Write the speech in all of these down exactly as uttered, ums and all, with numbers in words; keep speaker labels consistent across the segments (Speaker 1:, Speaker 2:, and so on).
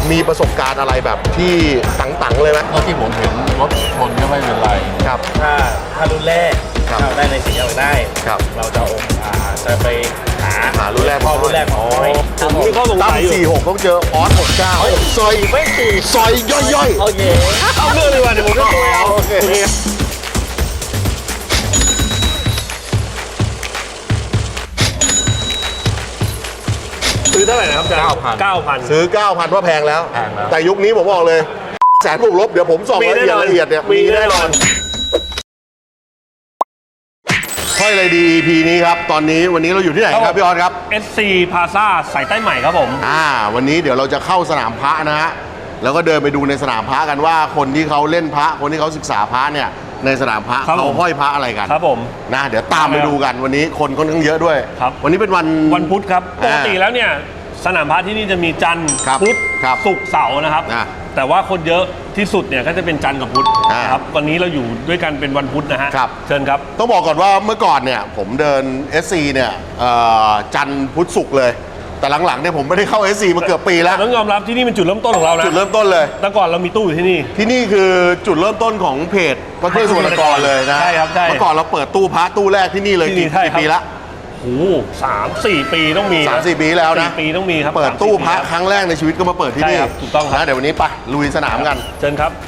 Speaker 1: มีประสบการณ์อะไรแบบที่ตังๆเลยไหม
Speaker 2: เท่าที่ผมเห็นรถชนก็ไม่เป็นไร
Speaker 1: ครับ
Speaker 3: ถ้าถ้ารุ่นแรกเราได้ในสิ่งที่เราได้เราจะอ่าจะไปหา
Speaker 1: หารุ่นแรก
Speaker 3: พ่อรุ่นแรกของน้อย
Speaker 4: ผมมีข้อสงสัยอยู่
Speaker 1: สี่หกต้องเจอออสหกเก้าซอยไม่สี่ซอยย่อยๆ
Speaker 3: โอเค
Speaker 4: เอาเรื่องดีกว่าเดี๋ยวผมจะโทรเอา
Speaker 1: โอเค
Speaker 4: ซื้อเท่าไหร่นะครับอาจารย์
Speaker 2: เก้าพัน
Speaker 4: เก้าพัน
Speaker 1: ซื้อ เก้าพัน ว่าแพงแล้ว
Speaker 2: แพงแล้ว
Speaker 1: แต่ยุคนี้ผมบอกเลยแสนบวกลบเดี๋ยวผมส่องละเอียดละเอียดเนี่ย
Speaker 4: มีแน่นอน
Speaker 1: ค่อยเลยดี อี พี นี้ครับตอนนี้วันนี้เราอยู่ที่ไหนครับพี่ออสครับ
Speaker 4: เอส ซี Plaza สายใต้ใหม่ครับผม
Speaker 1: อ่าวันนี้เดี๋ยวเราจะเข้าสนามพระนะฮะแล้วก็เดินไปดูในสนามพระกันว่าคนที่เขาเล่นพระคนที่เขาศึกษาพระเนี่ยในสนามพระเขาห้อยพระอะไรกัน
Speaker 4: ครับผม
Speaker 1: นะเดี๋ยวตามไปดูกันวันนี้คนค่อนข้างเยอะด้วย
Speaker 4: ครับ
Speaker 1: วันนี้เป็นวัน
Speaker 4: วันพุธครับปกติแล้วเนี่ยสนามพระที่นี่จะมีจันทร์พุธศุกร์เสาร์นะครับแต่ว่าคนเยอะที่สุดเนี่ยก็จะเป็นจันทร์กับพุธนะครับวันนี้เราอยู่ด้วยกันเป็นวันพุธนะฮะเชิญครับ
Speaker 1: ต้องบอกก่อนว่าเมื่อก่อนเนี่ยผมเดิน เอส ซี เนี่ยจันทร์พุธศุกร์เลยแต่หลังๆเนี่ยผมไม่ได้เข้า เอส ซี มาเกือบปีแล้ว
Speaker 4: ต้องยอมรับที่นี่เป็นจุดเริ่มต้นของเรานะ
Speaker 1: จุดเริ่มต้นเลย
Speaker 4: แต่ก่อนเรามีตู้อยู่ที่นี่
Speaker 1: ที่นี่คือจุดเริ่มต้นของเพจพระเครื่องสกลนครเลยนะ
Speaker 4: ใช่ครับใช่
Speaker 1: เมื่อก่อนเราเปิดตู้พระตู้แรกที่นี่เลยกี่ปีละ
Speaker 4: โอ้สามสี่ปีต้องมี
Speaker 1: สามสี่ปีแล้วนะ
Speaker 4: ปีต้องมีครับ
Speaker 1: เปิดตู้พระครั้งแรกในชีวิตก็มาเปิดที่นี่
Speaker 4: ถูกต้องครับ
Speaker 1: นะเดี๋ยววันนี้ไปลุยสนามกัน
Speaker 4: เชิญครับ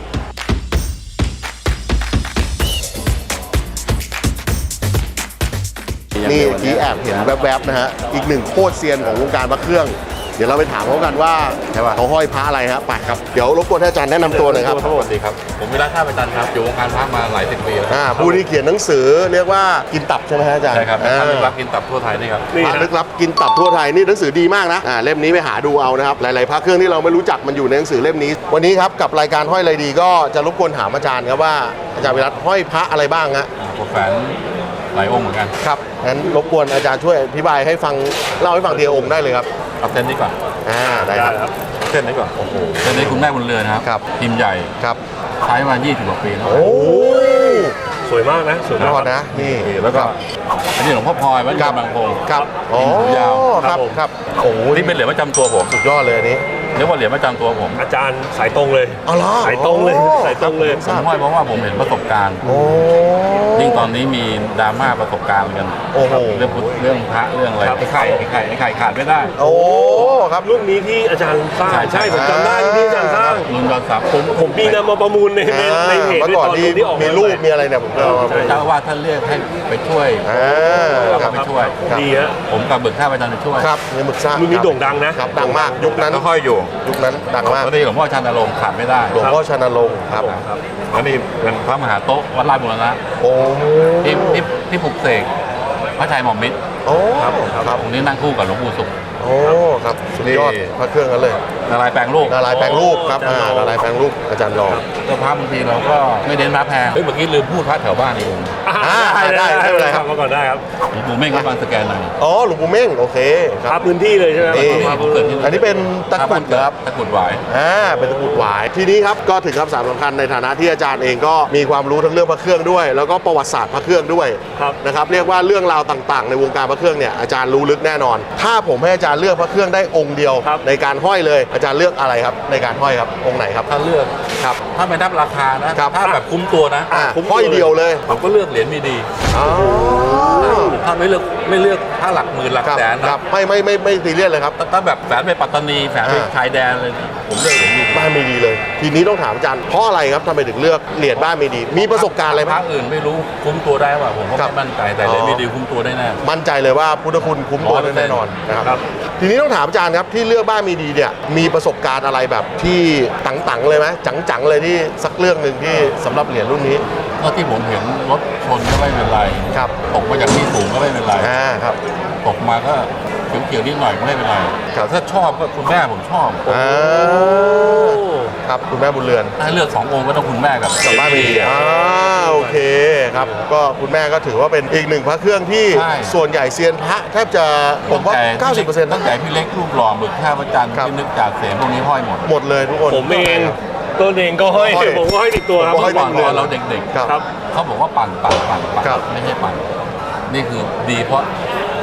Speaker 1: นี่ที่แอบเห็นแวบๆนะฮะอีกหนึ่งโคตรเซียนของวงการพระเครื่องเดี๋ยวเราไปถามเขากันว่าเขาห้อยพระอะไรฮะไปครับเดี๋ยวรบกวนท่านอาจารย์แนะนำตัวหน่อยครับ
Speaker 2: สวัสดีครับผมวิรัติท่าประจันครับอยู่วงการพระมาหลายสิบปีแล้ว
Speaker 1: อ่าผู้ที่เขียนหนังสือเรียกว่ากินตับใช่ไหมฮะอาจารย์
Speaker 2: ใช่ครับพระลึกลับกินตับทั่วไทยนี่ครับ
Speaker 1: พระลึกลับกินตับทั่วไทยนี่หนังสือดีมากนะอ่าเล่มนี้ไปหาดูเอานะครับหลายๆพระเครื่องที่เราไม่รู้จักมันอยู่ในหนังสือเล่มนี้วันนี้ครับกับรายการห้อยอะไรดีก็จะรบกวนถามอาจารย์ครับว่าอาจารย์วิรัติห้อยพระอะไรบ้างฮะ
Speaker 2: ผมแฝงหลายองค์เหมือนกัน
Speaker 1: ครับงั้นรบกวนอาจารย์ช่วยอธิบายให้ฟังเล่าให้ฟังทีละองค์ได้เลยครับ
Speaker 2: เอาเส้นนี้ก่อน
Speaker 1: อ่าได้ครับ
Speaker 2: เส้นนี้ก่อนโอ้โหเส้นนี้คุณแม่บุญเรือนครับพิมพ์ใหญ่
Speaker 1: ครับ
Speaker 2: ใช้มายี่สิบกว่าปีแล้ว
Speaker 1: โอ้
Speaker 4: สวยมากนะสวยมาก
Speaker 1: นะนี่
Speaker 2: แล้วก็อันนี้หลวงพ่อพลอยวัดบางพง
Speaker 1: ครับโอ้
Speaker 2: ยาว
Speaker 1: ครับครับโอ้
Speaker 2: นี่เป็นเหรียญประจำตัวผม
Speaker 1: สุดยอดเลยอันนี้
Speaker 2: เรียกว่าเหรียญประจำตัวผม
Speaker 4: อาจารย์สายตรงเลย
Speaker 1: อ๋อเหรอ
Speaker 4: สายตรงเลยสายตรงเลย
Speaker 2: ผมห้อยเพราะว่าผมเห็นประสบการณ์ยิ่งตอนนี้มีดราม่าประสบการณ์กันเรื่องเรื่องพระเรื่องอะไรไอ้ไข่ไอ้ไข่ไอ้ไข่ขาดไม่ได้
Speaker 1: โอ้ครับ
Speaker 4: รุ่นนี้ที่อาจารย์สร้างใช่ผมจำได้ที่อาจารย์สร้าง
Speaker 2: รุ่นยอดซับ
Speaker 4: ผมผมมีนำมาประมูลในในเพจ
Speaker 1: ด้วยตอนที่มีรูปมีอะไรเนี่ยผมก็
Speaker 2: เจ้าว่าท่านเรียกให้ไปช่วยเราก็ไปช่วย
Speaker 4: ดีฮะ
Speaker 2: ผมกับบึกท่าประจันไปช่วย
Speaker 1: ครับเงินบึกซ่า
Speaker 4: รุ่นนี้โด่งดังนะครับ
Speaker 1: ดังมากยุคนั้น
Speaker 2: ก็ค่อยอยู่
Speaker 1: ยุคนั้นดังมาก
Speaker 2: แล้วนี่หลวงพ่อชานรงค์ขาดไม่ได้
Speaker 1: หลวงพ่อชานรงค์ครับ
Speaker 2: แล้วนี่เป็นพระมหาโต๊ะวัดราชบุรณะ
Speaker 1: โอ้
Speaker 2: ที่ที่ที่ปลุกเสกพระชัยหม่อมมิตร
Speaker 1: โอ้ครับ
Speaker 2: ครับองค์นี้นั่งคู่กับหลวงปู่สุข
Speaker 1: โอ้ครับสุดยอดพระเครื่องกันเลย
Speaker 2: นารายแปลงรูป
Speaker 1: นารายแปลงรูปครับอ่านารายแปลงรูปอาจารย์รอง
Speaker 2: เจ้าพระบางทีเราก็ไม่เน้นพระแพงเฮ้ยเมื่อกี้ลืมพูดพระแถวบ้านอีกองค์
Speaker 1: ได้ได้ไม่เป็นไรครับ
Speaker 4: มาก่อนได้ครับ
Speaker 2: หลวงปู่เม่งก็บางสแกนหน่อย
Speaker 1: อ๋อหลวงปู่เม่งโอเค
Speaker 4: ครับพื้นที่เลยใช่ไหม
Speaker 1: อันนี้เป็นตะกุดครับ
Speaker 2: ตะกุดหวาย
Speaker 1: อ่าเป็นตะกุดหวายทีนี้ครับก็ถึงคำสามสำคัญในฐานะที่อาจารย์เองก็มีความรู้ทั้งเรื่องพระเครื่องด้วยแล้วก็ประวัติศาสตร์พระเครื่องด้วยนะครับเรียกว่าเรื่องราวต่างๆในวงการพระเครื่องเนี่ยอาจารย์รู้ลึกแน่นอนถ้าผมให้อาจารย์เลือกพระเครื่องได้องค์เดียวในการห้อยเลยอาจารย์เลือกอะไรครับในการห้อยครับองค์ไหนครับ
Speaker 2: ถ้าเลือก
Speaker 1: ครับ
Speaker 2: ถ้าไม่นับราคานะถ้าแบบคุ้มตัวนะ
Speaker 1: ห้อยเดียวเลย
Speaker 2: ผมก็เลือกเหรียญมีดีถ้าไม่เลือกไม่เลือกถ้าหลักหมื่นหลักแสน
Speaker 1: ครับไม่ไม่ไม่ไม่ซีเรียสเลยครับ
Speaker 2: ถ้าแบบแฝงไปปัตตานีแฝงไปชายแดนเลยผมเลือกเหรียญมีดี
Speaker 1: บ้านมีดีเลยทีนี้ต้องถามอาจารย์เพราะอะไรครับทำไมถึงเลือกเหรียญบ้านมีดีมีประสบการณ์อะไรไหม
Speaker 2: พระอื่นไม่รู้คุ้มตัวได้ป่ะผมก็ไม่มั่นใจแต่เหรียญมีดีคุ้มตัวได้แน่
Speaker 1: มั่นใจเลยว่าพุทธคุณคุ้มตัวได้แน่นอนนะครับทีนี้ต้องถามอาจารย์ครับที่เลือกบ้านมีดีเนี่ยมีประสบการณ์อะไรแบบที่ตังๆเลยไหมจังๆเลยที่สักเรื่องหนึ่งที่สำหรับเหรียญรุ่นนี้
Speaker 2: เท่าที่ผมเห็นรถชนก็ไม่เป็นไร
Speaker 1: ครับ
Speaker 2: ตกมาจากที่สูงก็ไม่เป็นไร
Speaker 1: อ่าครับ
Speaker 2: ตกมาก็เขียวๆนิดหน่อยก็ไม่เป็นไรแต่ถ้าชอบก็คุณแม่ผมชอบ
Speaker 1: อ่าครับคุณแม่บุญเรือน
Speaker 2: ถ้าเลือกสององค์ก็ต้องคุณแม่กับ
Speaker 1: กับบ้านมีดีอ่าโอเคครับก็คุณแม่ก็ถือว่าเป็นอีกหนึ่งพระเครื่องที่ส่วนใหญ่เซียนพระแทบจะผมว่า เก้าสิบเปอร์เซ็นต์
Speaker 2: ตั้งแต่พี่เล็กรูปหล่อบึกท่าประจันที่นึกจากเสียงพวกนี้ห้อยหมด
Speaker 1: หมดเลยทุกคน
Speaker 4: ผมเองตัวเองก็ห้อยผมก็ห้อยติดตัวครับ
Speaker 2: เมื่อก่อนเราเด็ก
Speaker 1: ๆครับ
Speaker 2: เขาบอกว่าปั่นปั่นปั่นปั่นไม่ใช่ปั่นนี่คือดีเพราะ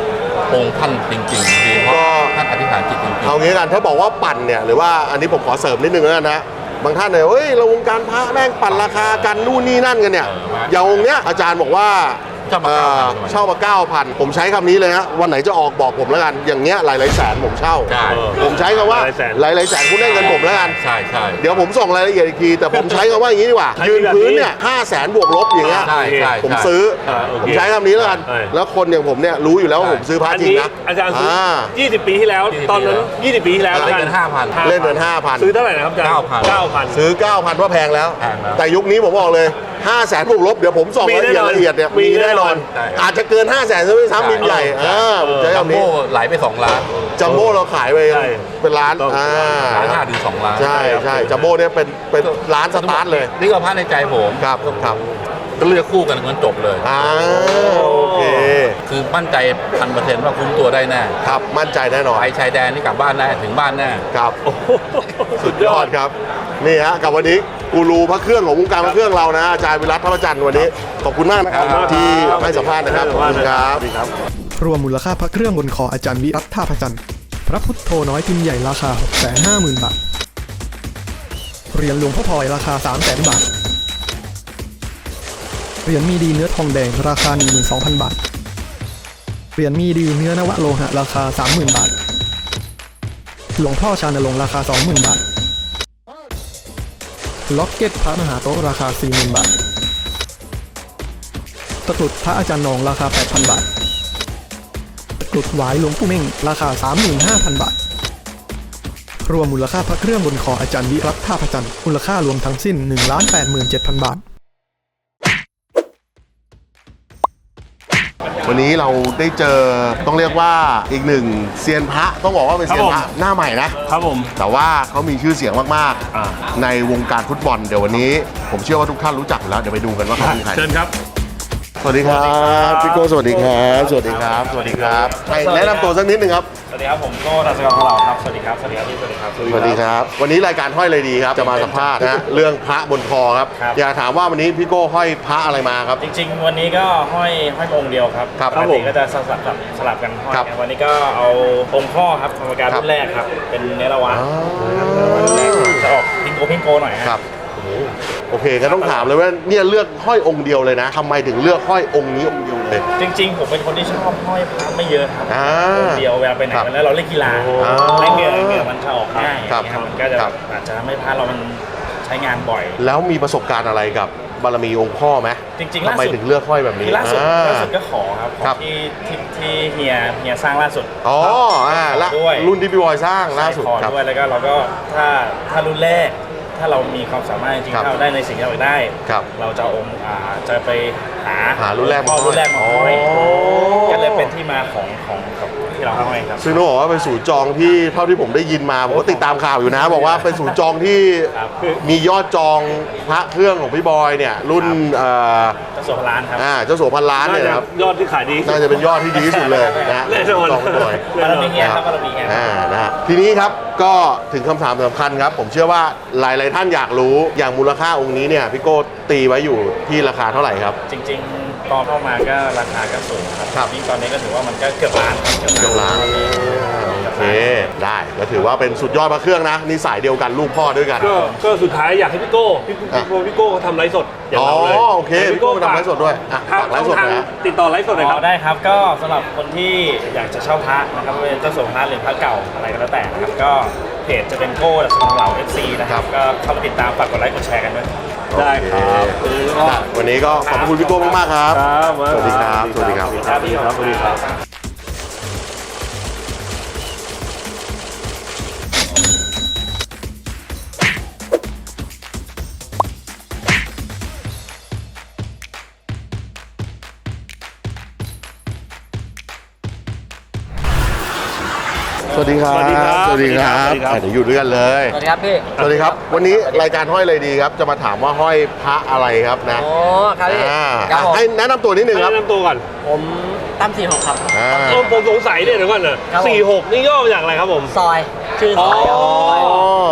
Speaker 2: องค์ท่านจริงๆดีเพราะท่านอธิษฐานจิตจริงๆ
Speaker 1: เอางี้กันถ้าบอกว่าปั่นเนี่ยหรือว่าอันนี้ผมขอเสริมนิดนึงแล้วกันนะบางท่านเนี่ยเฮ้ยเราวงการพระแม่งปั่นราคากันนู่นนี่นั่นกันเนี่ย
Speaker 2: เออว่า
Speaker 1: อย่างองค์เนี้ยอาจารย์บอกว่า
Speaker 2: เช่ามา
Speaker 1: เอ่อ
Speaker 2: เก้าพัน
Speaker 1: เช่ามาเก้าพันผมใช้คำนี้เลยฮะวันไหนจะออกบอกผมแล้วกันอย่างเงี้ยหลายๆแสนผมเช่า
Speaker 2: ใช่
Speaker 1: ผมใช้คำว่า
Speaker 4: หลายๆแสน
Speaker 1: หลายๆแสนคุณได้เงินผมแล้วกัน
Speaker 2: ใช่ใช่
Speaker 1: เดี๋ยวผมส่งรายละเอียดอีกทีแต่ผมใช้คำว่าอย่างนี้ดีกว่า
Speaker 4: ให้
Speaker 1: ยืน
Speaker 4: แบบนี้
Speaker 1: พื้นเนี่ยห้าแสนบวกลบอย่างเงี้ย
Speaker 2: ใช่ใช่
Speaker 1: ผม
Speaker 2: ใช่
Speaker 1: ซื้อ
Speaker 4: อ่าโอเค
Speaker 1: ผมใช้คำนี้แล้วกัน
Speaker 4: ใช่
Speaker 1: แล้วคนอย่างผมเนี่ยรู้อยู่แล้วว่าผมซื้อพระ
Speaker 4: อัน
Speaker 1: จริง
Speaker 4: นี้
Speaker 1: นะ
Speaker 4: อาจารย์ซื้อ
Speaker 1: อ่า
Speaker 4: ยี่สิบปีที่แล้ว
Speaker 2: ยี่สิบ
Speaker 4: ตอนนั้น ยี่สิบปีที่แล้ว
Speaker 2: เล่นเงินห้าพัน
Speaker 1: เล่นเงินห้าพัน
Speaker 4: ซื้อเท่าไหร่นะครับอาจารย์
Speaker 2: เก้าพัน
Speaker 4: เก้าพัน
Speaker 1: ซื้อ เก้าพัน ว่าแพงแล้ว
Speaker 2: แพงแล้ว
Speaker 1: แต่ยุคนี้ผมบอกเลยห้าแสนบวกลบเดี๋ยวผมส่อง
Speaker 4: มี
Speaker 1: รายละเอียด
Speaker 4: แน่นอน
Speaker 1: ละเอียดเนี่ย
Speaker 4: มี
Speaker 1: มีแน่นอน
Speaker 2: ใช่
Speaker 1: อาจจะเกินห้าแสนซะด้วยซ้ำบินใหญ่อ่าผมใช้
Speaker 2: จัม
Speaker 1: คำนี้
Speaker 2: โบ้ไหลไปสองล้าน
Speaker 1: จัมโบ้เราขายไป
Speaker 4: ใช่
Speaker 1: เป็นล้าน
Speaker 4: ต้อง
Speaker 1: อ่า
Speaker 2: ล้านห้าถึงสองล้าน
Speaker 1: ใช่ใช่จัมโบ้เนี่ยเป็นเป็นล้านสตาร์ทเลย
Speaker 2: นี่ก็พระในใจผม
Speaker 1: ครับครับ
Speaker 2: ก็เลือกคู่กันงั้นจบเลย
Speaker 1: อ่าโอเค
Speaker 2: คือมั่นใจพันเปอร์เซ็นต์ว่าคุ้มตัวได้แน่
Speaker 1: ครับมั่นใจแน่นอน
Speaker 2: ไปชายแดนนี่กลับบ้านแน่ถึงบ้านแน่
Speaker 1: ครับ
Speaker 4: โอ้โห
Speaker 1: สุดยอดครับนี่ฮะกับวันนี้กูรูพระเครื่องของวงการพระเครื่องเรานะอาจารย์วิรัตทัพจันทร์วันนี้ขอบคุณมากนะครับ
Speaker 2: ครับ
Speaker 1: ที่ให้สัมภาษณ์นะครับขอบคุณครับ
Speaker 5: รวมมูลค่าพระเครื่องบนคออาจารย์วิรัตท่าพระจันทร์พระพุทโธน้อยพิมพ์ใหญ่ราคา หกแสนห้าหมื่น บาท เหรียญหลวงพ่อพลอยราคา สามแสน บาท เหรียญมีดีเนื้อทองแดงราคา หนึ่งหมื่นสองพัน บาท เหรียญมีดีเนื้อนวโลหะราคา สามหมื่น บาท หลวงพ่อชานรงค์ราคา สองหมื่น บาท ล็อกเก็ตพระมหาโต๊ะราคา สี่หมื่น บาท ตะกรุดพระอาจารย์นองราคา แปดพัน บาท ตะกรุดหวายหลวงปู่เม่งราคา สามหมื่นห้าพัน บาท รวมมูลค่าพระเครื่องบนคออาจารย์วิรัตท่าพระจันทร์มูลค่ารวมทั้งสิ้น หนึ่งล้านแปดหมื่นเจ็ดพัน บาท
Speaker 1: วันนี้เราได้เจอต้องเรียกว่าอีกหนึ่งเซียนพระต้องบอกว่าเป็นเซียนพระหน้าใหม่นะครับ
Speaker 4: ผม
Speaker 1: แต่ว่าเขามีชื่อเสียงมาก
Speaker 4: อ่า
Speaker 1: ๆในวงการฟุตบอลเดี๋ยววันนี้ ผมเชื่อว่าทุกท่านรู้จักอยู่แล้วเดี๋ยวไปดูกันว่าเขาเป็นใคร
Speaker 4: เชิญครับ
Speaker 1: สวัสดีครับพี่โก้สวัสดีครับสวัสดีครับสวัสดีครับให้แนะนำตัวสักนิดหนึ่งครับ
Speaker 3: สวัสดีครับผมโก้ทัศกรของเราครับสวัสดีครับสวัสดีครับพี่สวัสดีครับ
Speaker 1: สวัสดีครับ วันนี้รายการห้อยเลยดีครับจะมาสัมภาษณ์นะเรื่องพระบนคอครับ
Speaker 3: ครับ
Speaker 1: อยากถามว่าวันนี้พี่โก้ห้อยพระอะไรมาครับ
Speaker 3: จริงๆ วันนี้ก็ห้อยห้อยองค์เดียวครับ
Speaker 1: ครับ
Speaker 3: ปกติก็จะสลับสลับสลับกันห้อย
Speaker 1: ครับ
Speaker 3: วันนี้ก็เอาองค์พ่อครับกรรมการ
Speaker 1: ครับ
Speaker 3: รุ่นแรกครับเป็นเนรวะ
Speaker 1: อ๋อ
Speaker 3: นะครับเนรวะรุ่นแรกจะออกพิงโกพิงโกหน่อยฮะ
Speaker 1: ครับโอเคก็ต้องถามเลยว่าเนี่ยเลือกห้อยองค์เดียวเลยนะทำไมถึงเลือกห้อยองค์นี้องค์เดียวเลย
Speaker 3: จริงๆ ผมเป็นคนที่ชอบห้อยพระไม่เยอะครับ
Speaker 1: อ่า
Speaker 3: องค์เดียวเวลาไปไหน
Speaker 1: ครับ
Speaker 3: แล้วเราเล่นกีฬา
Speaker 1: อ่า
Speaker 3: เล่นเหงื่อเหงื่อมันจะออกง่าย
Speaker 1: ครับ
Speaker 3: อย่างเงี้ยมันก็จะ
Speaker 1: ครับ
Speaker 3: อาจจะทำให้พระเรามันใช้งานบ่อย
Speaker 1: แล้วมีประสบการณ์อะไรกับบารมีองค์พ่อไหม
Speaker 3: จริงๆล่าสุด
Speaker 1: ทำไมถึงเลือกห้อยแบบนี้
Speaker 3: ที่ล่าสุด
Speaker 1: อ่
Speaker 3: ล่าสุดก็ขอครับข
Speaker 1: ครั
Speaker 3: อบ ที่ที่ที่เฮียเฮียสร้างล่าสุด
Speaker 1: อ๋ออ่าละ
Speaker 3: ด้วย
Speaker 1: รุ่นที่พี่บอยสร้างล่าสุด
Speaker 3: ขอ
Speaker 1: ครับ
Speaker 3: ด้วยแล้วก็เราก็ถ้าถ้ารุ่นแรก ถ้าเรามีความสามารถจริง
Speaker 1: ครับ
Speaker 3: ๆถ้าเราได้ในสิ่งที่เราอยากได้
Speaker 1: ครับ
Speaker 3: เราจะเอาองค์อ่าจะไปหา
Speaker 1: หารุ่นแรกมา
Speaker 3: พ่อรุ่นแรกมาห้อย
Speaker 1: อ๋อ
Speaker 3: ก็เลยเป็นที่มาของของของที่เราห้อยครับ
Speaker 1: ซึ่งต้องบอกว่าเป็นศูนย์จองที่เท่าที่ผมได้ยินมาผมก็ติดตามข่าวอยู่นะ บอกว่าเป็นศูนย์จองที่
Speaker 3: ครับ
Speaker 1: มียอดจองพระเครื่องของพี่บอยเนี่ยรุ่นเอ่อ
Speaker 3: เจ้าสัวพลานครับ
Speaker 1: อ่าเจ้าสัวพันล้าน
Speaker 4: น่า
Speaker 1: เนี่ย
Speaker 4: จะ
Speaker 1: นะครับ
Speaker 4: ยอดที่ขายดี
Speaker 1: น่าจะเป็นยอดที่ดีที่สุดเลยนะฮะ
Speaker 4: แน่นอน
Speaker 1: จองหน่อย
Speaker 3: บารมีเฮียครับบารมีเฮีย
Speaker 1: อ่านะฮะทีนี้ครับก็ถึงคำถามสำคัญครับ ผมเชื่อว่าหลาย ๆ ท่านอยากรู้อย่างมูลค่าองค์นี้เนี่ยพี่โก้ตีไว้อยู่ที่ราคาเท่าไหร่ครับ
Speaker 3: จริงๆตอนเข้ามาก็ราคาก็สูงครับ
Speaker 1: ครับ
Speaker 3: ยิ่งตอนนี้ก็ถือว่ามันก็เกือบล้านครับ
Speaker 1: เกือบล้าน โอเค
Speaker 3: ได้
Speaker 1: ได้ก็ถือว่าเป็นสุดยอดพระเครื่องนะนี่สายเดียวกันลูกพ่อด้วยกัน
Speaker 4: ก็ก็สุดท้ายอยากให้พี่โก้พี่
Speaker 1: อ่ะ
Speaker 4: พี่โก้พี่โก้เขาทำไลฟ์สดอย่าง
Speaker 1: อ๋อ
Speaker 4: เราเลย
Speaker 1: โอเคพี่โก้ทำไลฟ์สดด้วยอ่ะ
Speaker 4: ทาง
Speaker 1: ฝากไลฟ์สดหน่อยนะ
Speaker 4: ติดต่อไลฟ์สดหน่อยค
Speaker 3: อ๋
Speaker 4: รั
Speaker 3: อบ ได้ครับก็สำหรับคนที่อยากจะเช่าพระนะครับไม่ว่าเป็นเจ้าสัวพระหรือพระเก่าอะไรก็แล้วแต่นะครับก็เพจจะเป็นโก้ดัชของเรา เอฟ ซี นะครับก็เข้ามาติดตามฝากกดไลค์กดแชร์กันด้วย
Speaker 4: ได้ครับ
Speaker 1: โอเคได้วันนี้ก็ขอบคุณพี่โก้มากๆครับ
Speaker 4: ครับ
Speaker 1: สวัสดีครับสวัสดีครับ
Speaker 4: สวัสดีครับสวัสดีครับ
Speaker 1: สวัสดีครับ
Speaker 4: สวัสดีครับ
Speaker 1: สวัสดีครับ
Speaker 4: สวัสดีครับ
Speaker 1: อ่ะเดี๋ยวอยู่ด้วยกันเลย
Speaker 6: สวัสดีครับพี่
Speaker 1: สวัสดีครับ วันนี้รายการห้อยเลยดีครับ จะมาถามว่าห้อยพระอะไรครับนะ
Speaker 6: โอ้ครับพี่
Speaker 1: อ่า
Speaker 6: ครับผม
Speaker 1: ให้แนะนำตัวนิดนึง
Speaker 4: ให้
Speaker 1: ครับ
Speaker 4: แนะนำตัวก่อน
Speaker 6: ผมตั้มสี่หกครับ
Speaker 1: อ่า
Speaker 4: เออผมสงสัยเนี่ยเดี๋ยวก่อนนะครับ
Speaker 6: ผม
Speaker 4: สี่หกนี่ย่อมาจากอะไรครับผม
Speaker 6: ซอย ชื่อซอยครับ
Speaker 4: ซอยอะไร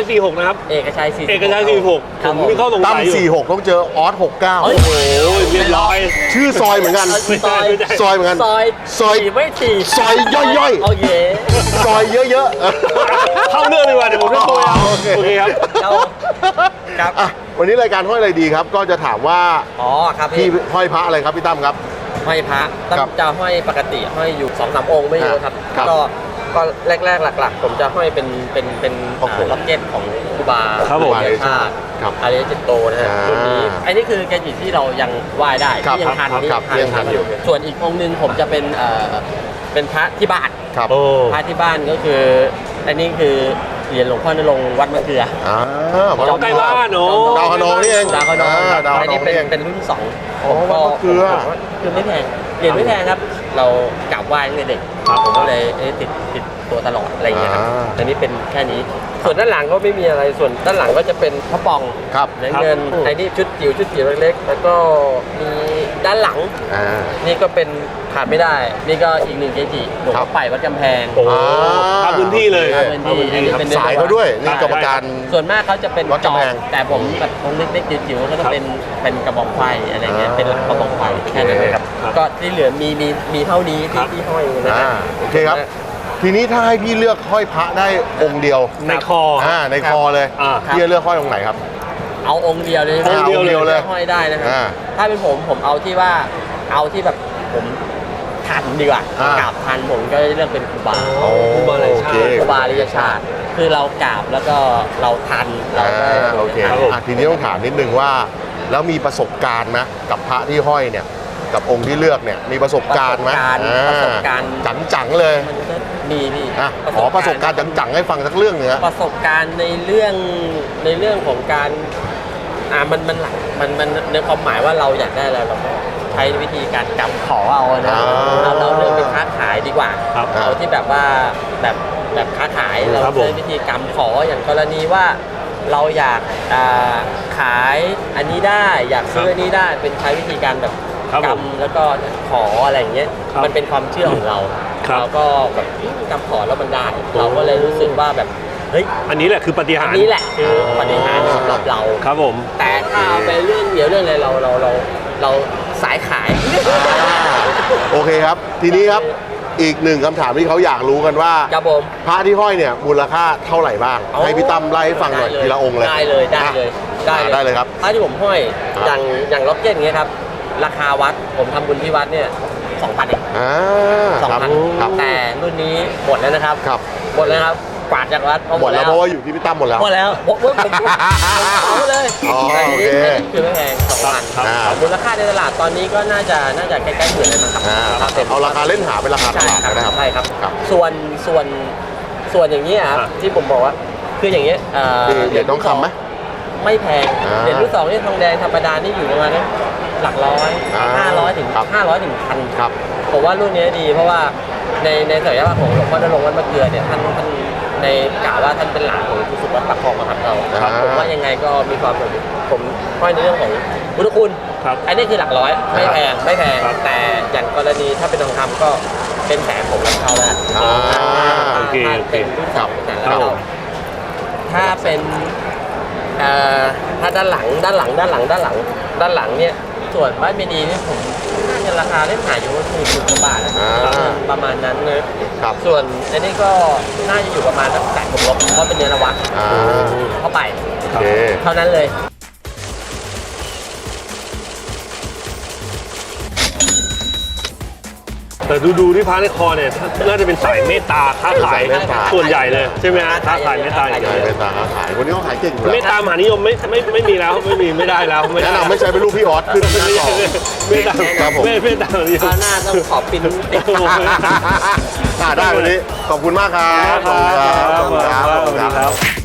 Speaker 4: สี่หกนะครับ
Speaker 6: เอกชัยสี่
Speaker 4: เอกชัยสี่หก
Speaker 6: ค
Speaker 4: ผ
Speaker 6: รับ
Speaker 4: ม
Speaker 6: ผม
Speaker 4: มีข้อสง
Speaker 1: ตั้
Speaker 4: สั
Speaker 1: ม
Speaker 4: ยอยู่
Speaker 1: สี่หกต้องเจอออสหกเก้า
Speaker 6: เฮ้ย
Speaker 4: โอ้ยเรียบร้อย
Speaker 1: ชื่อซอยเหมือนกัน
Speaker 6: ซอย
Speaker 1: ซอยเหมือนกัน
Speaker 6: ซอย
Speaker 1: ซอย
Speaker 6: สี่ไม่สี่
Speaker 1: ซอยย่อยๆ
Speaker 6: โอเค
Speaker 1: ซอยเยอะๆ
Speaker 4: เข้าเรื่องดีกว่าเดี๋ยวผมจะโทรเอา
Speaker 1: โอเค
Speaker 4: โอเคครับ
Speaker 6: เราครับ
Speaker 1: อ่ะวันนี้รายการห้อยอะไรดีครับ ก็จะถามว่า
Speaker 6: อ๋อครับ
Speaker 1: พี่
Speaker 6: พี่
Speaker 1: ห้อยพระอะไรครับพี่ตั้มครับ
Speaker 6: ห้อยพระตั้
Speaker 1: ครั
Speaker 6: ง
Speaker 1: บ
Speaker 6: จะห้อยปกติห้อยอยู่สองสามองค์ไม่เยอะครับ
Speaker 1: ครับ
Speaker 6: ก็ก็แรกๆหลัก ๆ ผมจะห้อยเป็นเป็นเป็น
Speaker 1: โอ้โห
Speaker 6: อ่าล็อกเก็ตของครูบา
Speaker 4: ครับผม
Speaker 6: เดชาติ
Speaker 1: ครับ
Speaker 6: อาริยจิตโตนะฮะ
Speaker 1: อ่า
Speaker 6: รุ่นนี้อันนี้คือแกจิที่เรายังไหว้ได้
Speaker 1: ครับ
Speaker 6: ที่ยังทัน
Speaker 1: ครับ
Speaker 6: ที่
Speaker 1: ครับยังทันอยู่
Speaker 6: ส่วนอีกองค์หนึงผมจะเป็นเอ่อเป็นพระที่บ้าน
Speaker 1: ครับ
Speaker 4: โอ้
Speaker 6: พระที่บ้านก็คือ อันนี้คือเหรียญหลวงพ่อนรงค์วัดมะเกลือ
Speaker 1: อ่า
Speaker 4: จอมใกล้บ้านเนอะ
Speaker 1: ดาวคะนองนี่เอง
Speaker 6: ดาวขนอง
Speaker 1: าดาว
Speaker 6: อั
Speaker 1: คะ
Speaker 6: น
Speaker 1: นอ
Speaker 6: นี้
Speaker 1: ง
Speaker 6: เป็น
Speaker 1: นี่เอง
Speaker 6: เป็นรุ่นที่สอง
Speaker 1: อ๋อวัดมะเกลือ
Speaker 6: ผมว่าคือไม่แพงเหรียญไม่แพงครับ เรากราบไหว้ตั้งแต่เด็กผมก็เลยเอ๊ะติดติดตัวตลอดอะไรอย่างเงี้ยครับ
Speaker 1: อ่า
Speaker 6: อันนี้เป็นแค่นี้ ส่วนด้านหลังก็ไม่มีอะไรส่วนด้านหลังก็จะเป็นพระปอง
Speaker 1: ครับ
Speaker 6: เหรียญเงินไอ้นี่ชุดจิ๋วชุดจิ๋วเล็กๆแล้วก็มีด้านหลัง
Speaker 1: อ่า
Speaker 6: นี่ก็เป็นขาดไม่ได้ นี่ก็อีกหนึ่งเกจิหลวง
Speaker 1: ครั
Speaker 6: พ่อบ ไปวัดกำแพง
Speaker 4: โอ้
Speaker 1: อ่า
Speaker 4: ทำพื้นที่เลย
Speaker 6: ทำพื้นที่
Speaker 4: ทำพื้นที่ครับ
Speaker 6: อันนี้เป็น
Speaker 1: สายเขาด้วยนี่กรรมการ
Speaker 6: ส่วนมากเขาจะเป็น
Speaker 1: วัด
Speaker 6: จ
Speaker 1: กำ
Speaker 6: อ
Speaker 1: แพ
Speaker 6: บ
Speaker 1: ง
Speaker 6: แต่ผมแบบองค์เล็กๆจิ๋วๆก็จะเป็นเป็นกระบอกไฟอะไรเงี้ย
Speaker 1: อ่า
Speaker 6: เป็นหลักกระบอกไฟแค่นั้นเลยครับ
Speaker 4: ครับ
Speaker 6: ก็ที่เหลือมีมีมีเท่านี้ที่ที่ห้อยอยู่นะ
Speaker 1: อ่า
Speaker 6: ฮะ
Speaker 1: โอเคครับ ทีนี้ถ้าให้พี่เลือกห้อยพระได้องค์เดียว
Speaker 4: ในคอ
Speaker 1: อ่าในคอเลย
Speaker 4: อ่า
Speaker 1: พี่จะเลือกห้อยองค์ไหนครับ
Speaker 6: เอาองค์เดียวเลย
Speaker 1: อ่าองค์เดียวเลย
Speaker 6: ห้อยได้นะครับ
Speaker 1: อ่า
Speaker 6: ถ้าเป็นผมผมเอาที่ว่าเอาที่แบบผมทันดีกว่า
Speaker 1: อ่าก
Speaker 6: ราบทันผมก็จะเลือกเป็นครูบา
Speaker 1: โอ้
Speaker 4: ครูบาอะไรชาติ
Speaker 1: โอเค
Speaker 6: ครูบาริยชาติ คือเรากราบแล้วก็เราทันเรา
Speaker 1: อ่า
Speaker 6: ก็
Speaker 1: โอเค
Speaker 4: ครับผม
Speaker 1: อ่ะทีนี้ต้องถามนิดนึงว่า แล้วมีประสบการณ์นะกับพระที่ห้อยเนี่ย กับองค์ที่เลือกเนี่ยมีประสบการณ์ไหม
Speaker 6: ประสบการณ์
Speaker 1: จังจังๆเลย
Speaker 6: มันก็มีพี่
Speaker 1: อ่ะขอประสบการณ์จังๆให้ฟังสักเรื่องหนึงฮะ
Speaker 6: ประสบการณ์ในเรื่องในเรื่องของการอ่ามันมันหลักมันมันในความหมายว่าเราอยากได้อะไรเราก็ใช้วิธีการกำขอเอานะ
Speaker 1: อ่า
Speaker 6: เราเราเลือกเป็นค้าขายดีกว่า
Speaker 4: ครับ
Speaker 6: เอาที่แบบว่าแบบแบบค้าขายเรา
Speaker 4: ครับผม
Speaker 6: ใช้วิธีกำขออย่างกรณีว่าเราอยากอ่าขายอันนี้ได้อยากซื้ออันนี้ได้เป็นใช้วิธีการแบบ
Speaker 4: ครับผม
Speaker 6: กำแล้วก็ขออะไรอย่างเงี้ย
Speaker 4: ครับ
Speaker 6: มันเป็นความเชื่อของเรา
Speaker 4: ครับ
Speaker 6: เราก็แบบกำขอแล้วมันได้ เราก็เลยรู้สึกว่าแบบเฮ้ย
Speaker 4: อันนี้แหละคือปฏิหา
Speaker 6: อัน
Speaker 4: รย์
Speaker 6: นี้แหละคือปฏิหารย์สำหรับเรา
Speaker 4: ครับผม
Speaker 6: แต่ถ้าเอาไปเรื่องเดียวเรื่องอะไรเราเราเราเราสายขาย
Speaker 1: โอเคครับ ทีนี้ครับอีกหนึ่งคำถามที่เขาอยากรู้กันว่า
Speaker 6: ครับผม
Speaker 1: พระที่ห้อยเนี่ยมูลค่าเท่าไหร่บ้าง
Speaker 6: เอา
Speaker 1: ให้พี่ตั้มไล่ให้ฟังหน่อย
Speaker 6: ได้
Speaker 1: ทีละองค์เลย
Speaker 6: ได้เลยได้เลย
Speaker 1: อ่ะได้เลยครับ
Speaker 6: ถ้าที่ผมห้อย
Speaker 1: ครับ
Speaker 6: อย่างอย่างล็อกเก็ตอย่างเงี้ยครับ ราคาวัดผมทำบุญที่วัดเนี่ยสองพันเอง
Speaker 1: อ่า
Speaker 6: สอง
Speaker 1: ครับ
Speaker 6: พัน
Speaker 1: ครับ
Speaker 6: แต่รุ่นนี้หมดแล้วนะครับ
Speaker 1: ครับ
Speaker 6: หมดแล้วครับกวาดจากวัดเพราะ
Speaker 1: หมดแล้วเพราะว่าอยู่ที่พี่ตั้มหมดแล้ว
Speaker 6: หมดแล้วผมผมผมผมเอาเลย
Speaker 1: อ๋อ
Speaker 6: แต่ทีนี้
Speaker 1: โอเค
Speaker 6: คือไม่แพงสองพัน
Speaker 4: ครับ
Speaker 1: อ่า
Speaker 6: มูลค่าในตลาดตอนนี้ก็น่าจะน่าจะใกล้ๆหมื่นเลยมั้งครับ
Speaker 1: อ่า
Speaker 6: ครับต็ม
Speaker 1: เอาราคาเล่นหาเป็นราคาต
Speaker 6: ใช่
Speaker 1: ลาด
Speaker 6: ครับ
Speaker 1: นะครับ
Speaker 6: ใช่ครับ
Speaker 1: ครับ
Speaker 6: ส่วนส่วนส่วนอย่างนี้ยครับ
Speaker 4: อ่ะ
Speaker 6: ที่ผมบอกว่าคืออย่างเงี้ยเอ่อ
Speaker 1: คือเหรียญทองคำไหม
Speaker 6: ไม่แพง
Speaker 1: อ่า
Speaker 6: เหรียญรุ่นสองนี่ทองแดงธรรมดานี่อยู่ประมาณนั้นหลักร้อย
Speaker 1: อ่า
Speaker 6: ห้าร้อยถึง
Speaker 1: ครับ
Speaker 6: ห้าร้อยถึงพัน
Speaker 1: ครับ
Speaker 6: ผมว่ารุ่นนี้ดีเพราะว่าในในศักยภาพของหลวงพ่อนรงค์วัดมะเกลือเนี่ยท่านท่านในกล่าวว่าท่านเป็นหลานของทุสุวัดปักคลองมาครับเรา
Speaker 1: ครับ
Speaker 6: ผมว่ายังไงก็มีความสำคัญผมห้อยในเรื่องของพุทธคุณ
Speaker 4: ครับ
Speaker 6: อันนี้คือหลักร้อยไม่แพงไม่แพง
Speaker 4: ครับ
Speaker 6: แต่อย่างกรณีถ้าเป็นทองคำก็เป็นแสนผมรับเขาแล้ว
Speaker 1: อ่า
Speaker 4: โอเค
Speaker 6: ถ้า
Speaker 4: โอเค
Speaker 6: เป็นรุ่นสองแสน
Speaker 4: ครั
Speaker 6: แล้
Speaker 4: บ
Speaker 6: ว
Speaker 4: ผม
Speaker 6: ถ้าเป็นเอ่อถ้าด้านหลังด้านหลังด้านหลังด้านหลังด้านหลังเนี่ยส่วนบ้านเมดีเนี่ยผมน่าจะราคาเล่นขายอยู่สี่สิบกว่าบาทนะ
Speaker 1: อ่า
Speaker 6: ประมาณนั้นนะครับ ส่วนอันนี้ก็น่าจะอยู่ประมาณสักแสนผมลบเพราะเป็นเนื้อนวัต
Speaker 1: อ่า
Speaker 6: เข้าไป
Speaker 1: โอเค
Speaker 6: เท่านั้นเลย
Speaker 4: แต่ดูดูที่พระในคอเนี่ยน่าจะเป็นสายเมตตาค้าขาย
Speaker 1: สายเมตตา
Speaker 4: ส่วนใหญ่เลยใช่ไหมฮะค้าขายเมตตาอย่าง
Speaker 1: ใช่
Speaker 4: เดียว
Speaker 1: เป็นตาค้าขายคนนี้เขาขายเก่งอยู่
Speaker 4: เม
Speaker 1: แล้ว
Speaker 4: ตตามหานิยมไม่ไม่ไม่มีแล้วไม่มีไม่ได้แล้วไม่
Speaker 1: แนะ
Speaker 4: ได้
Speaker 1: นำไม่ใช่เป็นลูกพี่ออสขึ้นหน้าจอ
Speaker 4: เมตตา
Speaker 1: ครับผม
Speaker 4: เมตเมตตาหานิย
Speaker 6: ค
Speaker 4: ม
Speaker 6: ราวหน้าต้องขอปินติด
Speaker 1: อ่าได้วันนี้ขอบคุณมากครับ
Speaker 4: ครับ
Speaker 1: ขอบคุณครับ
Speaker 4: ครับ
Speaker 1: ขอบคุณครับ
Speaker 4: สวัสดีครับ